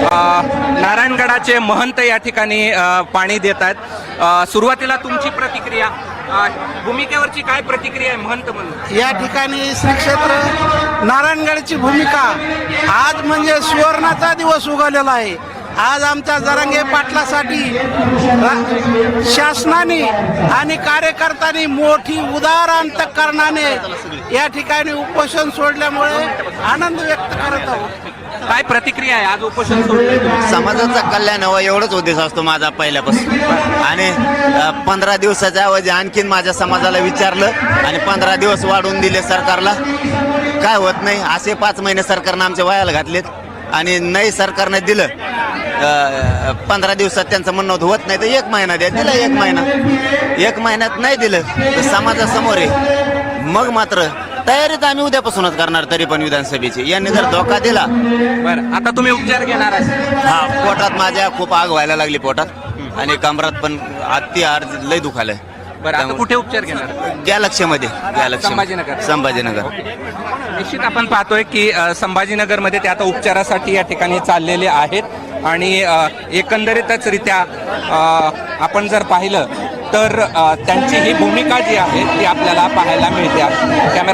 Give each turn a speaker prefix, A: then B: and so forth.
A: नारायणगडाचे महंत या ठिकाणी पाणी देत आहेत। सुरुवातीला तुमची प्रतिक्रिया, भूमिकेवरची काय प्रतिक्रिया आहे महंत म्हणून?
B: या ठिकाणी श्री क्षेत्र नारायणगडची भूमिका आज म्हणजे सुवर्णाचा दिवस उगवलेला आहे। आज आमच्या जरांगे पाटलासाठी शासनाने आणि कार्यकर्त्यांनी मोठी उदार अंतःकरणाने या ठिकाणी उपोषण सोडल्यामुळे आनंद व्यक्त करत आहोत।
A: काय प्रतिक्रिया आहे आज उपोषण सोडलं?
C: समाजाचं कल्याण हवं एवढंच उद्देश असतो माझा पहिल्यापासून। आणि 15 दिवसाच्या ऐवजी आणखीन माझ्या समाजाला विचारलं आणि 15 दिवस वाढवून दिले सरकारला। काय होत नाही, असे 5 महिने सरकारनं आमच्या वयाला घातलेत आणि नाही सरकारने दिलं 15 दिवसात त्यांचं म्हणणं होत नाही तर 1 महिना द्या, दिलं 1 महिना। 1 महिन्यात नाही दिलं तर समाजासमोर आहे, मग मात्र तयारीत आम्ही उद्यापासूनच करणार। तरी पण विधानसभेची यांनी जर धोका दिला।
A: बरं, आता तुम्ही उपचार घेणार आहे?
C: हा, पोटात माझ्या खूप आग व्हायला लागली पोटात आणि कमरात पण अति हार लय दुखालय।
A: बरं, आता कुठे उपचार घेणार?
C: गॅलक्सीमध्ये,
A: संभाजीनगर.
C: संभाजीनगर।
A: निश्चित आपण पाहतोय की संभाजीनगरमध्ये ते आता उपचारासाठी या ठिकाणी चाललेले आहेत आणि एकंदरीतच रित्या आपण जर पाहिलं तर त्यांची ही भूमिका जी आहे ती आपल्याला पाहायला मिळते। कॅमेरा